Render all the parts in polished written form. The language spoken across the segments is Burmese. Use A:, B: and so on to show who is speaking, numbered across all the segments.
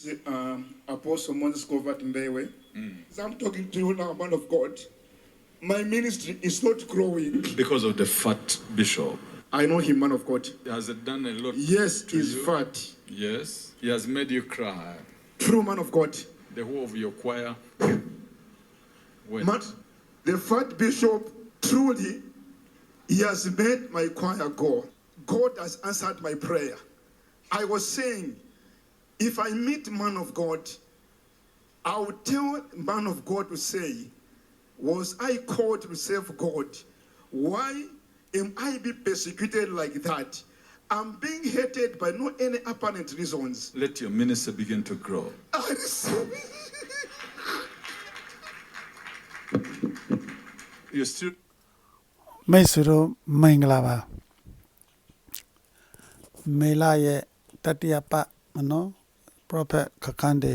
A: Apostle Moses Covert Mbewe. As I'm talking to you now, man of God, my ministry is not growing.
B: Because of the fat bishop.
A: I know him, man of God.
B: He has done a lot.
A: Yes,
B: to
A: he's
B: you.
A: fat.
B: Yes. He has made you cry.
A: True, man of God.
B: The whole of your choir.
A: Man, the fat bishop, truly, he has made my choir go. God has answered my prayer. I was saying, if I meet man of God, I will tell man of God to say, was I called to serve God? Why am I being persecuted like that? I'm being hated by no any apparent reasons.
B: Let your ministry begin to grow.
A: I receive
B: You still
C: မိတ်ဆွေတို့မင်္ဂလာပါမေလာရဲ့တတိယပတ်မနော် prophet ခခန်းတေ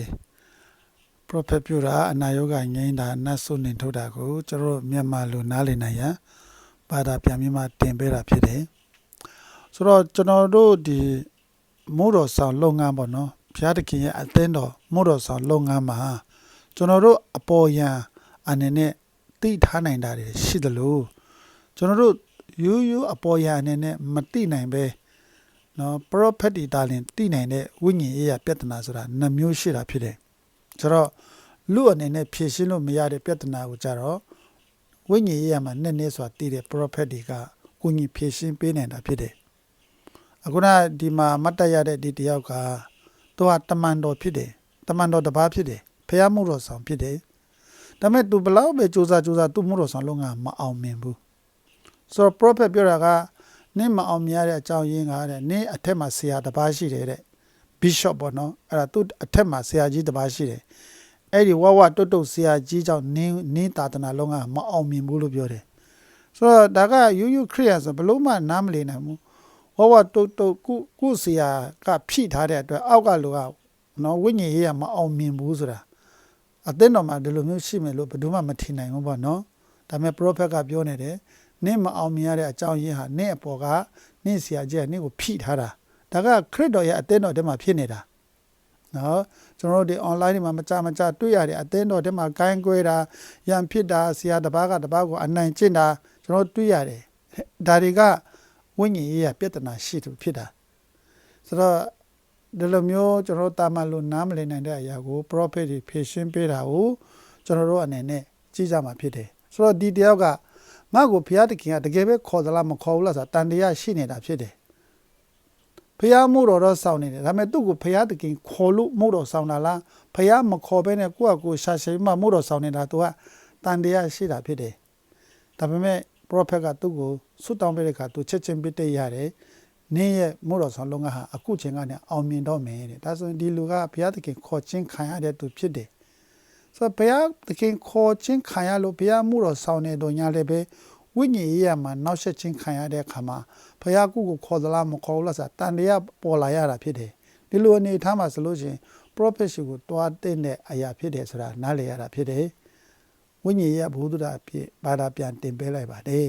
C: prophet ပြတာအနာယောဂငိမ့်တာနတ်ဆုနေထုတ်တာကိုကျွန်တော်မြန်မာလူနားလည်နိုင်ရန်ဘာသာပြန်ပြီးမှတင်ပေးတာဖြစ်တယ်ဆိုတော့ကျွန်တော်တို့ဒီမိုးတော်ဆောင်လုပ်ငန်းပေါ့နော်ဘုရားသခင်ရဲ့အသင်းတော်မိုးတော်ဆောင်လုပ်ငန်းမှာကျွန်တော်တို့အပေါ်ယံအနေနဲ့သိထားနိုင်တာတွေရှိသလိုကျွန်တော်တို့ရိုးအပေါ်ယံအနေနဲ့မသိနိုင်ပဲနော် prophet တွေတာလင်သိနိုင်တဲ့ဝိညာဉ်ရေးရပြဿနာဆိုတာနှမျိုးရှိတာဖြစ်တယ်ဆိုတော့လူအနေနဲ့ဖြေရှင်းလို့မရတဲ့ပြဿနာကိုကြတော့ဝိညာဉ်ရေးရမှာနည်းနည်းဆိုတာသိတဲ့ prophet တွေကကိုကြီးဖြေရှင်းပေးနိုင်တာဖြစ်တယ်အခုနဒီမှာမတ်တရတဲ့ဒီတယောက်ကသူကတမန်တော်ဖြစ်တယ်တမန်တော်တစ်ပါးဖြစ်တယ်ဖျားမှုတော်ဆောင်ဖြစ်တယ်ဒါပေမဲ့သူဘလောက်ပဲစူးစမ်းသူ့မှုတော်ဆောင်လုံးကမအောင်မြင်ဘူးဆိုတော့ prophet ပြောတာကနင်းမအောင်မြင်ရတဲ့အကြောင်းရင်းကတဲ့နင်းအထက်မှာဆရာတစ်ပါးရှိတယ်တဲ့ bishop ပေါ့နော်အဲ့ဒါသူ့အထက်မှာဆရာကြီးတစ်ပါးရှိတယ်အဲ့ဒီဝဝတုတ်တုတ်ဆရာကြီးကြောင့်နင်းသာသနာလုံးကမအောင်မြင်ဘူးလို့ပြောတယ်ဆိုတော့ဒါကယူခရစ်ယာန်ဆိုဘလို့မှနားမလည်နိုင်ဘူးဝဝတုတ်တုတ်ကုဆရာကဖြိထားတဲ့အတွက်အောက်ကလူကနော်ဝိညာဉ်ရေးကမအောင်မြင်ဘူးဆိုတာအသင်းတော်မှာဒီလိုမျိုးရှိမယ်လို့ဘယ်သူမှမထင်နိုင်ဘူးပေါ့နော်ဒါပေမဲ့ prophet ကပြောနေတယ်နင့်မအောင်မြင်ရတဲ့အကြောင်းရင်းဟာနင့်အပေါ်ကနင့်ဆရာကြီးကနင့်ကိုဖိထားတာဒါကခရစ်တော်ရဲ့အသင်းတော်ထဲမှာဖြစ်နေတာနော်ကျွန်တော်တို့ဒီ online တွေမှာမကြတွေ့ရတဲ့အသင်းတော်ထဲမှာကိုင်းကွဲတာရန်ဖြစ်တာဆရာတစ်ပါးကတစ်ပါးကိုအနိုင်ကျင့်တာကျွန်တော်တွေ့ရတယ်ဒါတွေကဝိညာဉ်ရေးရပြဿနာရှိသူဖြစ်တာဆိုတော့ဒီလိုမျိုးကျွန်တော်တာမန်လို့နားမလည်နိုင်တဲ့အရာကို prophet တွေဖြေရှင်းပေးတာကိုကျွန်တော်တို့အနေနဲ့ကြည့်ကြမှာဖြစ်တယ်ဆိုတော့ဒီတယောက်ကငါ့ကိုဘုရားသခင်ကတကယ်ပဲခေါ်သလားမခေါ်ဘူးလားဆိုတာတန်တရားရှိနေတာဖြစ်တယ်ဘုရားမို့တော်တော့ဆောင်းနေတယ်ဒါပေမဲ့သူ့ကိုဘုရားသခင်ခေါ်လို့မို့တော်ဆောင်းတာလားဘုရားမခေါ်ဘဲနဲ့ကိုယ့်အကိုရှာရှည်မှမို့တော်ဆောင်းနေတာသူကတန်တရားရှိတာဖြစ်တယ်ဒါပေမဲ့ prophet ကသူ့ကိုဆွတောင်းပေးတဲ့အခါသူချက်ချင်းပြစ်တဲ့ရတယ်နင်းရဲ့မို့တော်ဆောင်လုံးကဟာအခုချိန်ကနေအောင်မြင်တော့မယ်တဲ့ဒါဆိုရင်ဒီလူကဘုရားသခင်ခေါ်ချင်းခံရတဲ့သူဖြစ်တယ်ဆိုတော့ဘုရားသခင်ခေါ်ချင်းခံရလို့ဘုရားမို့တော်ဆောင်နေတော့ညာလည်းပဲဝိညာဉ်ရေးရမှာနောက်ဆက်ချင်းခံရတဲ့အခါမှာဘုရားကိုခေါ်သလားမခေါ်ဘူးလားဆိုတာတန်တရားပေါ်လာရတာဖြစ်တယ်ဒီလိုအနေထားမှာဆိုလို့ရှိရင် prophet ကိုတွားတဲ့အရာဖြစ်တယ်ဆိုတာနားလည်ရတာဖြစ်တယ်ဝိညာဉ်ရေးဘုဒ္ဓတာဖြစ်ဘာသာပြန်တင်ပေးလိုက်ပါတယ်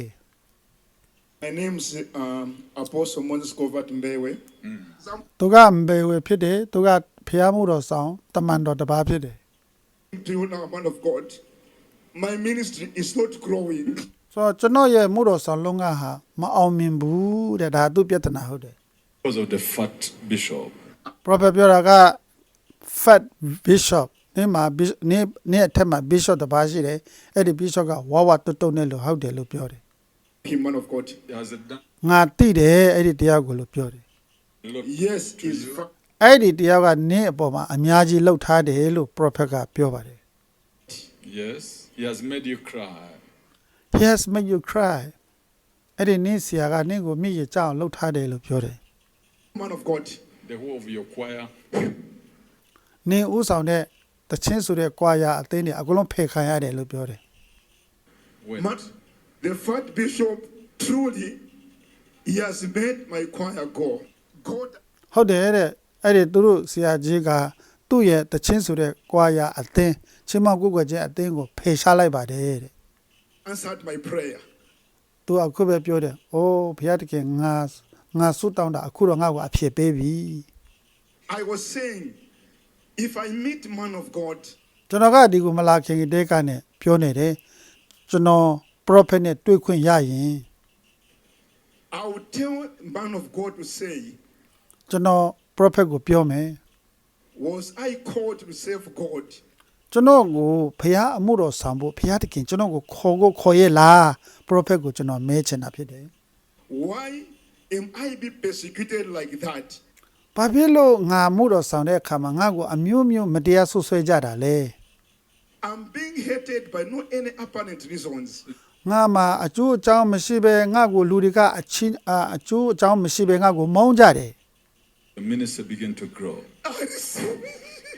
A: My name's Apostle Moses Covert Mbewe.
C: သူကမဘေဝေဖြစ်တယ်သူကဖျားမှုတော်ဆောင်တမန်တော်တစ်ပါးဖြစ်တယ်
A: To you now, man of God, my ministry is not growing.
C: ဆိုတော့ကျွန်တော်ရဲ့မှုတော်ဆောင်လုံးကဟာမအောင်မြင်ဘူးတဲ့ဒါသူပြဿနာဟုတ်တယ်
B: because of the fat bishop.
C: prophet ပြောတာက fat bishop နေမှာနေအထက်မှာ bishop တစ်ပါးရှိတယ်အဲ့ဒီ bishop ကဝဝတုတ်နဲ့လို့ဟုတ်တယ်လို့ပြောတယ်
A: Him, man of God.
B: He has done
C: ငါတိတယ်အဲ့ဒီတရားကိုလို့ပြောတယ်
B: a lot.
A: Yes,
B: to
A: he's
B: you.
A: fat.
C: အဲ့ဒီတရားကနင်းအပေါ်မှာအများကြီးလှုပ်ထားတယ်လို့ prophet ကပြောပါတယ်
B: Yes. He has made you cry.
C: he has made you cry အဲ့ဒီနင်းဆရာကနင်းကိုမြည်ရကြအောင်လှုပ်ထားတယ်လို့ပြောတယ်
A: Man of God.
B: The whole of your choir.
C: နင်းဥဆောင်တဲ့တချင်းဆိုတဲ့ကွာရာအသင်းတွေအကုန်လုံးဖယ်ခံရတယ်လို့ပြောတယ်
B: When
A: Man, the fat bishop, truly, he has made my choir go. God,
C: ဟုတ်တယ်တဲ့အဲ့ဒီသူတို့ဆရာကြီးကသူ့ရဲ့တချင်းဆိုတဲ့ကွာရာအသင်းချင်းမကုတ်ကွယ်ခြင်းအသင်းကိုဖယ်ရှားလိုက်ပါတယ်တဲ့
A: answered my prayer.
C: သူအခုပဲပြောတယ်အိုးဘုရားတခင်ငါဆုတောင်းတာအခုတော့ငါ့ကိုအဖြစ်ပေးပြီ
A: I was saying, If I meet man of God,
C: ကျွန်တော်ကဒီကိုမလာခင်တဲကနေပြောနေတယ်ကျွန်တော် prophet နဲ့တွေ့ခွင့်ရရင်
A: I will tell man of God to say,
C: ကျွန်တော် prophet ကိုပြောမယ်
A: was I called to serve God?
C: ကျွန်တော်ကိုဖះအမှုတော်ဆောင်ဖို့ဖះတခင်ကျွန်တော်ကိုခေါ်ရဲ့လား prophet ကိုကျွန်တော်မဲချင်တာဖြစ်တယ်
A: Why am I be persecuted like that?
C: ဘာဖြစ်လို့ငါမှုတော်ဆောင်တဲ့အခါမှာငါ့ကိုအမျိုးမျိုးမတရားဆွဆွဲကြတာလဲ
A: I'm being hated by no any apparent reasons.
C: ငါမှာအကျိုးအကြောင်းမရှိဘဲငါ့ကိုလူတွေကအချင်းအကျိုးအကြောင်းမရှိဘဲငါ့ကိုမုန်းကြတယ်
B: The ministry began to grow.
A: I receive it.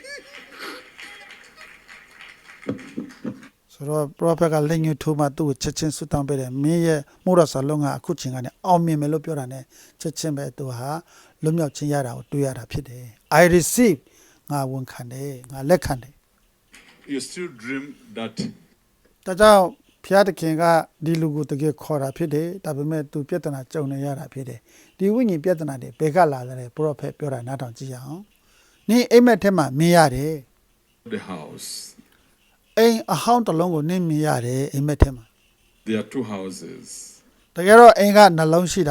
C: ဆိုတော့ prophet ကလက်ညှိုးထိုးမှသူ့ကိုချက်ချင်းဆွတောင်းပေးတယ်မင်းရဲ့မှုတော်ဆောင်လုံးကအခုချိန်ကနေအောင်မြင်မယ်လို့ပြောတာ ਨੇ ချက်ချင်းပဲသူဟာလွတ်မြောက်ခြင်းရတာကိုတွေ့ရတာဖြစ်တယ် I receive ငါဝန်ခံတယ်ငါလက်ခံတယ်
B: You still dream that
C: ဒါကြောင့်ဖျားတခင်ကဒီလူကိုတကယ်ခေါ်တာဖြစ်တယ်ဒါပေမဲ့သူပြဿနာကြုံနေရတာဖြစ်တယ်ဒီဝိညာဉ်ပြဿနာတွေဘယ်ကလာလဲ prophet ပြောတာနားထောင်ကြည့်ရအောင်နင်းအိမ်မက်ထဲမှာမြင်ရတယ်
B: the house.
C: အိမ်အဟောင်းတစ်လုံးကိုနင်းမြင်ရတယ်အိမ်မက်ထဲမှာ
B: There are two houses.
C: တကယ်တော့အိမ်ကနှလုံးရှိတာ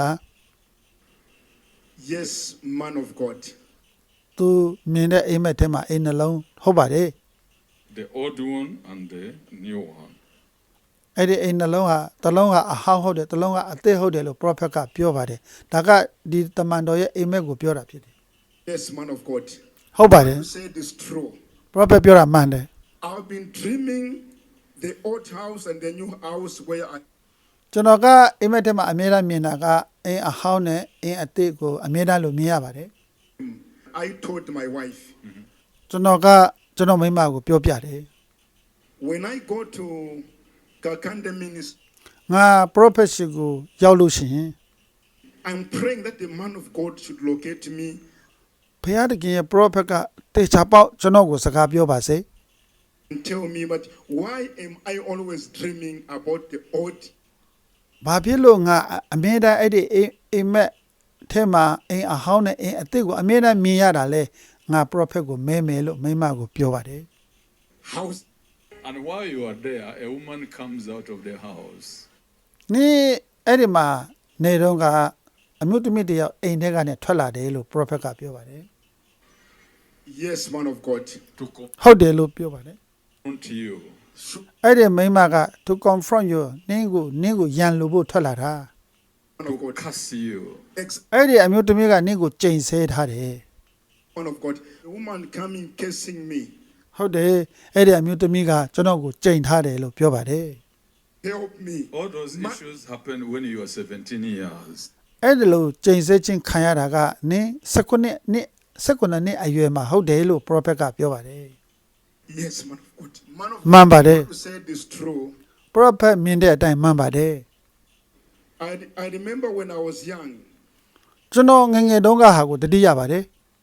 A: Yes, man of God.
C: သူမြင်တဲ့အိမ်မက်ထဲမှာအိမ်နှလုံးဟုတ်ပါတယ်
B: The old one and the new one.
C: အဲ့ဒီအိမ်နှလုံးဟာတစ်လုံးကအဟောင်းဟုတ်တယ်တစ်လုံးကအသစ်ဟုတ်တယ်လို့ prophet ကပြောပါတယ်ဒါကဒီတမန်တော်ရဲ့အိမ်မက်ကိုပြောတာဖြစ်တယ်
A: Yes, man of God.
C: ဟုတ်ပါတယ်
A: You said it's true.
C: prophet ပြောတာမှန်တယ်
A: I've been dreaming the old house and the new house where I
C: ကျွန်တော်ကအိမ်မက်ထဲမှာအမြဲတမ်းမြင်တာကအိမ်အဟောင်းနဲ့အိမ်အသစ်ကိုအမြဲတမ်းလို့မြင်ရပါတယ်
A: told my wife,
C: ကျွန်တော်မိန်းမကိုပြောပြတယ်
A: when I go to Kakande ministry,
C: ငါ prophet ရှိကိုရောက်လို့ရှိရင်
A: I'm praying that the man of God should locate me
C: ဘုရားတခင်ရဲ့ prophet ကတေချာပေါက်ကျွန်တော်ကိုစကားပြောပါစေ
A: and tell me, but why am I always dreaming about the old?
C: ဘာဖြစ်လို့ငါအမြဲတမ်းအဲ့ဒီအိမ်မက်ထဲမှာအိမ်အဟောင်းနဲ့အိမ်အသစ်ကိုအမြဲတမ်းမြင်ရတာလဲငါ prophet ကိုမဲမယ်လို့မိန်းမကိုပြောပါတယ်
A: House.
B: And while you are there, a woman comes out of the house.
C: နေ့အဲ့ဒီမှာနေတော့ကအမျိုးသမီးတယောက်အိမ်ထဲကနေထွက်လာတယ်လို့ prophet ကပြောပါတယ်
A: Yes, man of God.
B: To
C: ဟုတ်တယ်လို့ပြောပါတယ်
B: confront you.
C: အဲ့ဒီမိန်းမက to confront you နင်းကိုရန်လို့ဖို့ထွက်လာတာ
A: Man of God.
B: Curse you.
C: အဲ့ဒီအမျိုးသမီးကနင်းကိုကြိမ်ဆဲထားတယ်
A: Man of God. A woman coming cursing me.
C: ဟုတ်တယ်အဲ့ဒီအမျိုးသမီးကကျွန်တော်ကိုကြိမ်ထားတယ်လို့ပြောပါတယ်
A: Help me.
B: All those issues happened when you were 17 years.
C: အဲ့ဒီလိုကြိမ်ဆဲခြင်းခံရတာကနင်း19နှစ်အရွယ်မှာဟုတ်တယ်လို့ prophet ကပြောပါတယ်
A: Yes, man of God. Man of
C: မှန်ပါတယ်
A: God said this true.
C: prophet မြင်တဲ့အတိုင်းမှန်ပါတယ်
A: I remember when I was young,
C: ကျွန်တော်ငယ်ငယ်တုန်းကဟာကိုတတိယပါတယ်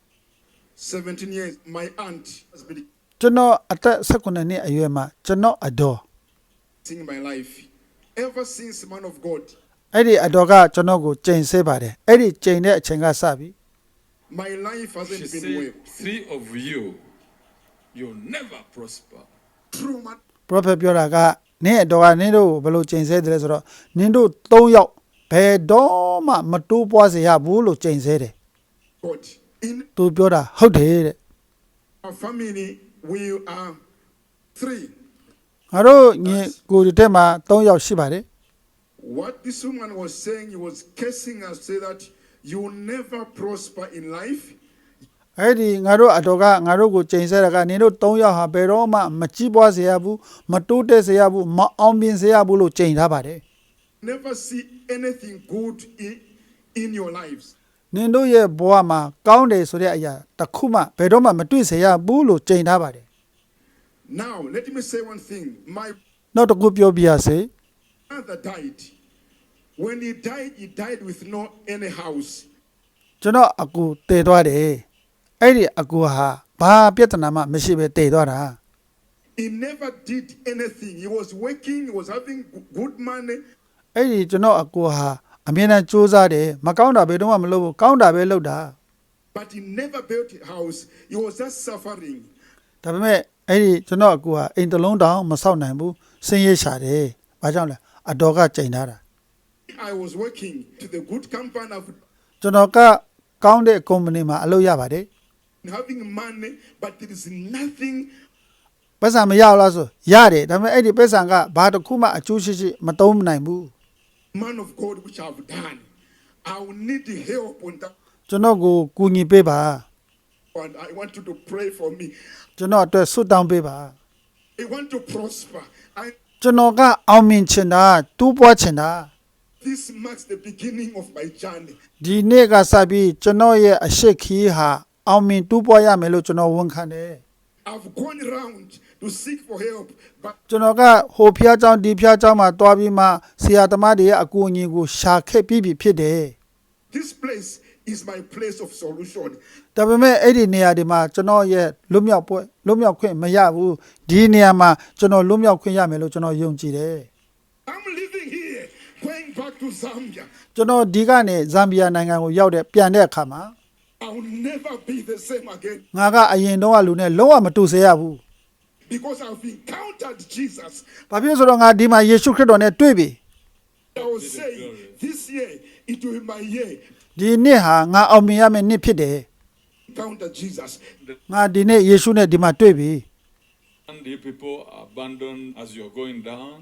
A: 17 years, my aunt has been
C: ကျွန်တော်အသက်19နှစ်အရွယ်မှာကျွန်တော်အတော်
A: in my life. Ever since, man of God,
C: အဲ့ဒီအတော်ကကျွန်တော်ကိုကြိမ်ဆဲပါတယ်အဲ့ဒီကြိမ်တဲ့အချိန်ကစပြီ
A: my life hasn't
B: She
A: been
B: said,
A: well.
B: 3 of you, you'll never prosper.
A: True, man.
C: prophet ပြောတာကနင်းအတော်ကနင်းတို့ဘယ်လိုကြိမ်ဆဲတယ်လဲဆိုတော့နင်းတို့3ယောက်ဘယ်တော့မှမတိုးပွားစေရဘူးလို့ကြိမ်ဆဲတယ်
A: God. In
C: သူပြောတာဟုတ်တယ်တဲ့
A: our family, we are 3.
C: ငါတို့ညီကိုဒီတက်မှာ3ယောက်ရှိပါတယ်
A: What this woman was saying, he was cursing us, say that you will never prosper in life.
C: အဲ့ဒီငါတို့အတော်ကငါတို့ကိုကြိမ်ဆဲတာကနင်တို့3ယောက်ဟာဘယ်တော့မှမကြီးပွားစေရဘူးမတိုးတက်စေရဘူးမအောင်မြင်စေရဘူးလို့ကြိမ်ထားပါတယ်
A: Never see anything good in your lives.
C: နင်တို့ရဲ့ဘဝမှာကောင်းတယ်ဆိုတဲ့အရာတစ်ခုမှဘယ်တော့မှမတွေ့စေရဘူးလို့ကြိမ်ထားပါတယ်
A: Now, let me say one thing. My
C: နောက်တစ်ခုပြောပြရစေ
A: father died. When he died with no any house.
C: ကျွန်တော်အကူတည်သွားတယ်အဲ့ဒီအကူဟာဘာပြဿနာမှမရှိပဲတည်သွားတာ
A: He never did anything. He was working, he was having good money.
C: အဲ့ဒီကျွန်တော်အကူဟာအမြဲတမ်းစူးစမ်းတယ်မကောင်းတာဘယ်တော့မှမလုပ်ဘူးကောင်းတာပဲလုပ်တာ
A: But he never built a house. He was just suffering.
C: ဒါပေမဲ့အဲ့ဒီကျွန်တော်အကူဟာအိမ်တစ်လုံးတောင်မဆောက်နိုင်ဘူးဆင်းရဲရှာတယ်ဘာကြောင့်လဲအတော်ကကြိမ်ထားတာ
A: I was working to the good company of
C: ကျွန်တော်ကကောင်းတဲ့ကုမ္ပဏီမှာအလုပ်ရပါတယ်
A: having money, but there is nothing
C: ပတ်စံမရဘူးလားဆိုရတယ်ဒါပေမဲ့အဲ့ဒီပတ်စံကဘာတစ်ခုမှအကျိုးရှိမသုံးနိုင်ဘူး
A: man of God which I've done. I will need help on that,
C: ကျွန်တော်ကိုကူညီပေးပါ
A: and I want you to pray for me.
C: ကျွန်တော်အတွက်ဆုတောင်းပေးပါ
A: I want to prosper.
C: ကျွန်တော်ကအောင်မြင်ချင်တာတူးပွားချင်တာ
A: This marks the beginning of my journey.
C: ဒီနေ့ကစပြီးကျွန်တော်ရဲ့အရှိခီးဟာအောင်မြင်တူးပွားရမယ်လို့ကျွန်တော်ဝန်ခံတယ်
A: I've gone around to seek for help, but
C: ကျွန်တော်ကဟိုဖျားเจ้าဒီဖျားเจ้าမှာတွားပြီးမှဆရာသမားတွေရဲ့အကူအညီကိုရှာခဲ့ပြီးဖြစ်တယ်
A: this place is my place of solution.
C: ဒါပေမဲ့အဲ့ဒီနေရာဒီမှာကျွန်တော်ရဲ့လွတ်မြောက်ခွင့်မရဘူးဒီနေရာမှာကျွန်တော်လွတ်မြောက်ခွင့်ရမယ်လို့ကျွန်တော်ယုံကြည်တယ်
A: I'm living here, going back to Zambia.
C: ကျွန်တော်ဒီကနေဇမ်ဘီယာနိုင်ငံကိုရောက်တဲ့ပြန်တဲ့အခါမှာ
A: I will never be the same again
C: ငါကအရင်တော့ကလူနဲ့လုံးဝမတူစေရဘူး
A: because I've encountered Jesus.
C: ။ဘာဖြစ်လို့ဆိုတော့ငါဒီမှာယေရှုခရစ်တော်နဲ့တွေ့ပြီ
A: I was saying this year it will be my year.
C: ။ဒီနှစ်ဟာငါအောင်မြင်ရမယ့်နှစ်ဖြစ်တယ်
A: Encounter Jesus.
C: ။ငါဒီနေ့ယေရှုနဲ့ဒီမှာတွေ့ပြီ
B: And the people abandon as you're going down.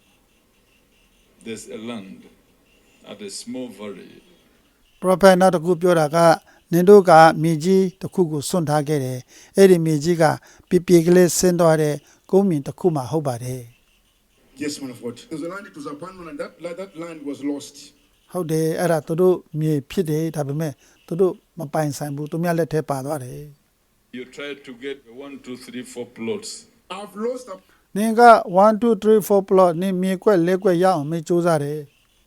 B: There's a land at a small valley.
C: ။ Prophet နောက်တစ်ခုပြောတာကနင်တို့ကမြေကြီးတစ်ခုကိုစွန့်ထားခဲ့တယ်။အဲ့ဒီမြေကြီးကပြေကလေးဆင်းသွားတဲ့ကုန်းမြင့်တစ်ခုမှဟုတ်ပါတယ်
A: Yes, man of God. There's a land it was abandoned, and that land was lost.
C: ။ဟုတ်တယ်အဲ့ဒါသူတို့မြေဖြစ်တယ်ဒါပေမဲ့သူတို့မပိုင်ဆိုင်ဘူးသူများလက်ထဲပါသွားတယ်
B: You try to get 1, 2, 3, 4 plots.
A: I've lost
C: ။နင်က1 2 3 4 plot နင်မြေကွက်၄ကွက်ရအောင်မေးစူးစမ်းတယ်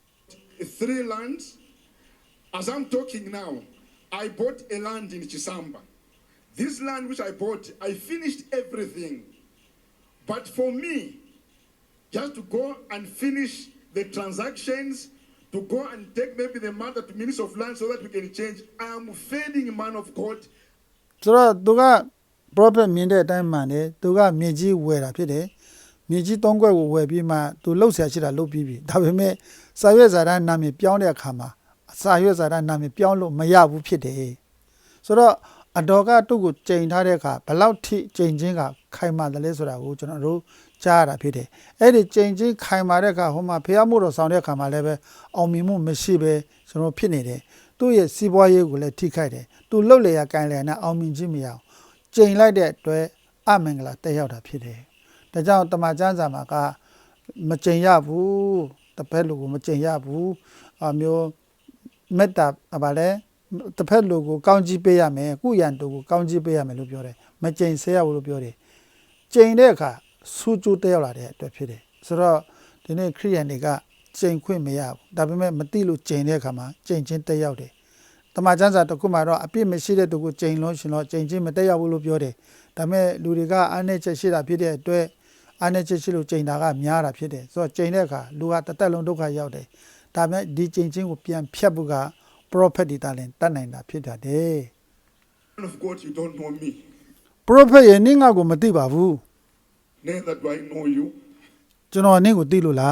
A: 3 lands. As I'm talking now, I bought a land in Chisamba. This land which I bought, I finished everything. But for me, just to go and finish the transactions, to go and take maybe the matter to Minister of Land so that we can change, I am failing man of God.
C: ဆိုတော့သူက prophet မြင်တဲ့အတိုင်းမှန်တယ်သူကမြေကြီးဝယ်တာဖြစ်တယ်မြေကြီး၃ခွက်ကိုဝယ်ပြီးမှသူလှုပ်ရှားရှိတာလှုပ်ပြီးပြီဒါပေမဲ့စာရွက်စာတမ်းနာမည်ပြောင်းတဲ့အခါမှာစာရွက်စာတမ်းနာမည်ပြောင်းလို့မရဘူးဖြစ်တယ်ဆိုတော့အတော်ကသူ့ကိုချိန်ထားတဲ့အခါဘယ်လောက်ထိချိန်ချင်းကခိုင်မာတယ်လဲဆိုတာကိုကျွန်တော်တို့ကြားရတာဖြစ်တယ်အဲ့ဒီချိန်ချင်းခိုင်မာတဲ့အခါဟိုမှာဖျားမှုတော်ဆောင်တဲ့အခါမှာလည်းပဲအောင်မြင်မှုမရှိပဲကျွန်တော်ဖြစ်နေတယ်သူ့ရဲ့စီးပွားရေးကိုလည်းထိခိုက်တယ်သူလှုပ်လေရကိုင်လေနဲ့အောင်မြင်ခြင်းမရအောင်ချိန်လိုက်တဲ့အတွက်အမင်္ဂလာတက်ရောက်တာဖြစ်တယ်။ဒါကြောင့်တမန်ကျမ်းစာမှာကမချိန်ရဘူး။တစ်ဖက်လူကိုမချိန်ရဘူး။အမျိုးမေတ္တာဗါလဲတစ်ဖက်လူကိုကောင်းကြီးပေးရမယ်။ကုရန်တူကိုကောင်းကြီးပေးရမယ်လို့ပြောတယ်။မချိန်ဆဲရဘူးလို့ပြောတယ်။ချိန်တဲ့အခါစူးကျူးတက်ရောက်လာတဲ့အတွက်ဖြစ်တယ်။ဆိုတော့ဒီနေ့ခရိယန်တွေကချိန်ခွင့်မရဘူး။ဒါပေမဲ့မတိလို့ချိန်တဲ့အခါမှာချိန်ချင်းတက်ရောက်တယ်။တမန်ကျမ်းစာတစ်ခုမှာတော့အပြစ်မရှိတဲ့သူကိုချိန်လို့ရှင်တော့ချိန်ချင်းမတက်ရောက်ဘူးလို့ပြောတယ်။ဒါပေမဲ့လူတွေကအားနည်းချက်ရှိတာဖြစ်တဲ့အတွက်အားနည်းချက်ရှိလို့ချိန်တာကများတာဖြစ်တယ်။ဆိုတော့ချိန်တဲ့အခါလူကတစ်သက်လုံးဒုက္ခရောက်တယ်။ဒါပေမဲ့ဒီချိန်ချင်းကိုပြန်ဖြတ်ဖို့က prophet ဒီတာလင်တတ်နိုင်တာဖြစ်တယ်။
A: Man of God, you don't know me.
C: prophet ရဲ့နင့်ငါကိုမသိပါဘူး
A: Neither do I know you.
C: ။ကျွန်တော်နင့်ကိုသိလို့လား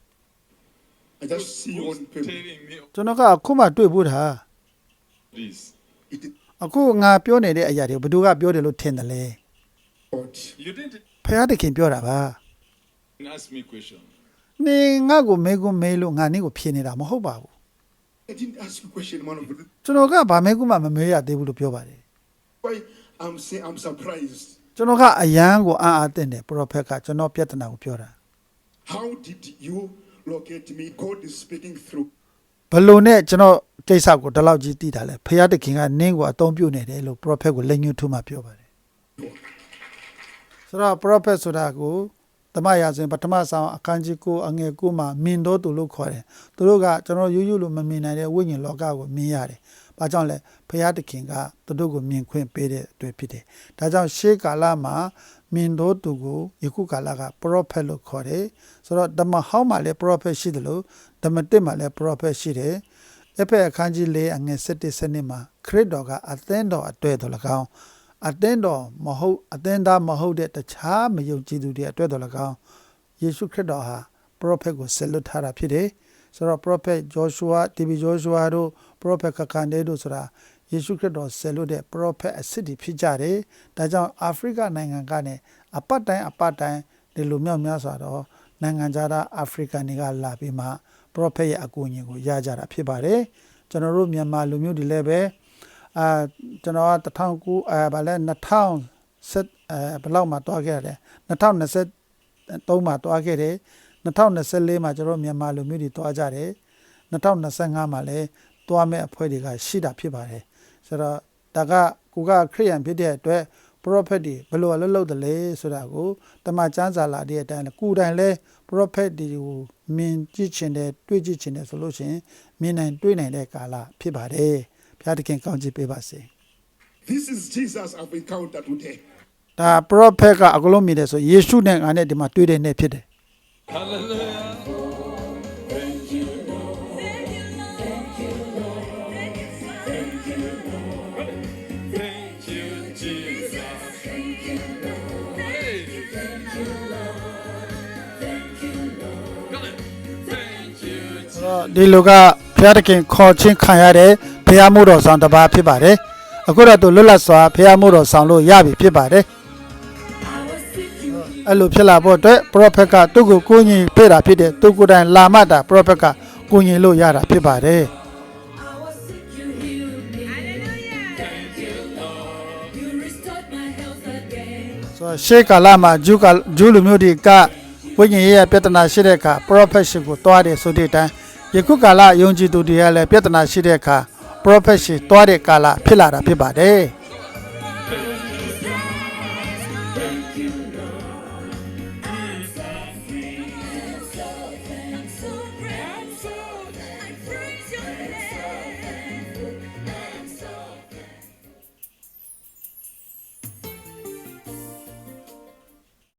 A: I just see you
B: Who's
A: on paper.
B: telling me
C: ။ကျွန်တော်ကအခုမှတွေ့ဖို့တာ
B: this?
A: It is
C: အခုငါပြောနေတဲ့အရာတွေဘယ်သူကပြောတယ်လို့ထင်တယ်လဲ
A: God.
B: You didn't
C: ဖခင်တခင်ပြောတာပါ
B: ask me question.
C: ။နင်ငါကိုမေးခွန်းမေးလို့ငါနင့်ကိုဖြေနေတာမဟုတ်ပါဘူး
A: I didn't ask you a question, man of God.
C: ။ကျွန်တော်ကဗာမေးခွန်းမှမမေးရသေးဘူးလို့ပြောပါတယ်
A: Why I'm saying I'm surprised.
C: ။ကျွန်တော်ကအယံကိုအားတင်တယ် prophet ကကျွန်တော်ပြဿနာကိုပြောတာ
A: How did you locate me? God is speaking through.
C: ။ဘလို့နဲ့ကျွန်တော်ကိစ္စကိုဒီလောက်ကြီးသိတာလဲဖခင်တခင်ကနင့်ကိုအသုံးပြုနေတယ်လို့ prophet ကိုလက်ညှိုးထိုးမှပြောပါတယ်။ဆိုတော့ prophet ဆိုတာကိုတမန်ရာဇဝင်ပထမဆောင်အခန်းကြီး9အငယ်9မှာမြင်တော်သူလို့ခေါ်တယ်။သူတို့ကကျွန်တော်ရိုးရိုးလို့မမြင်နိုင်တဲ့ဝိညာဉ်လောကကိုမြင်ရတယ်။ဘာကြောင့်လဲဖခင်တခင်ကသူတို့ကိုမြင်ခွင့်ပေးတဲ့အတွက်ဖြစ်တယ်။ဒါကြောင့်ရှေးကာလမှာမြင်တော်သူကိုယခုကာလက prophet လို့ခေါ်တယ်။ဆိုတော့ဓမ္မဟောင်းမှာလည်း prophet ရှိတယ်လို့ဓမ္မတစ်မှာလည်း prophet ရှိတယ်။အဖက်အခန်းကြီး4အငယ်7 7မှာခရစ်တော်ကအသင်းတော်အတွေ့တော်၎င်းအသင်းတော်မဟုတ်အသင်းသားမဟုတ်တဲ့တခြားမယုံကြည်သူတွေအတွက်တော်၎င်းယေရှုခရစ်တော်ဟာ prophet ကိုဆက်လွတ်ထားတာဖြစ်တယ်ဆိုတော့ prophet Joshua TB Joshua တို့ prophet ခကန်ဒေတို့ဆိုတာယေရှုခရစ်တော်ဆက်လွတ်တဲ့ prophet အစစ်တွေဖြစ်ကြတယ်ဒါကြောင့်အာဖရိကနိုင်ငံကနေအပတ်တိုင်းဒီလိုမြောက်များစွာတော့နိုင်ငံခြားသားအာဖရိကန်တွေကလာပြီးမှ prophet ရဲ့အကူအညီကိုရကြတာဖြစ်ပါတယ်ကျွန်တော်တို့မြန်မာလူမျိုးတွေလည်းပဲကျွန်တော်က2009ဗာလဲ2010ဘယ်လောက်မှတွားခဲ့ရတယ်2023မှာတွားခဲ့တယ်2024မှာကျွန်တော်မြန်မာလူမျိုးတွေတွားကြတယ်2025မှာလည်းတွားမဲ့အဖွဲ့တွေကရှိတာဖြစ်ပါတယ်ဆိုတော့ဒါကကိုကခရိယန်ဖြစ်တဲ့အတွက် prophet တွေဘယ်လိုလုပ်တယ်လဲဆိုတာကိုတမန်ကျမ်းစာလာတဲ့အတိုင်းကိုယ်တိုင်လဲ prophet တွေကိုမြင်ကြည့်ချင်တယ်တွေ့ကြည့်ချင်တယ်ဆိုလို့ရှိရင်မြင်နိုင်တွေ့နိုင်တဲ့ကာလဖြစ်ပါတယ်ဘုရားသခင်ကောင်းချီးပေးပါစေ
A: This is Jesus I've encountered today.
C: ဒါ prophet ကအကလုံးမြင်တယ်ဆိုယေရှုနဲ့ငါနဲ့ဒီမှာတွေ့တဲ့နေ့ဖြစ်တယ်
B: Hallelujah.
D: Thank you, Lord. Thank you, Lord. Thank you, Lord.
B: Thank you, Jesus.
D: Thank you, Lord.
B: Hey.
D: Thank you, Lord. Thank you, Lord.
B: Come on. Thank you, Jesus.
C: ဒီလူကဘုရားသခင်ခေါ်ချင်းခံရတဲ့ဘုရားမို့တော်ဆောင်တစ်ပါးဖြစ်ပါတယ်အခုတော့သူလွတ်လပ်စွာဘုရားမို့တော်ဆောင်လို့ရပြီဖြစ်ပါတယ်
D: I was seeking you.
C: အဲ့လိုဖြစ်လာဖို့အတွက် prophet ကသူ့ကိုကိုးညီပေးတာဖြစ်တယ်သူကိုယ်တိုင်လာမှတာ prophet ကကိုးညီလို့ရတာဖြစ်ပါတယ်
D: I was sick, you healed me. Hallelujah. Thank you, Lord. You restored my health again.
C: ဆိုတော့ရှေးကာလမှာဂျူးလူမျိုးတွေကဝိညာဉ်ရေးရပြဿနာရှိတဲ့အခါ prophet ရှိကိုတွားတယ်ဆိုတဲ့အတိုင်းယခုကာလယုံကြည်သူတွေကလည်းပြဿနာရှိတဲ့အခါ prophet ရှိတွားတဲ့ကာလဖြစ်လာတာဖြစ်ပါတယ်
D: Thank you, Lord.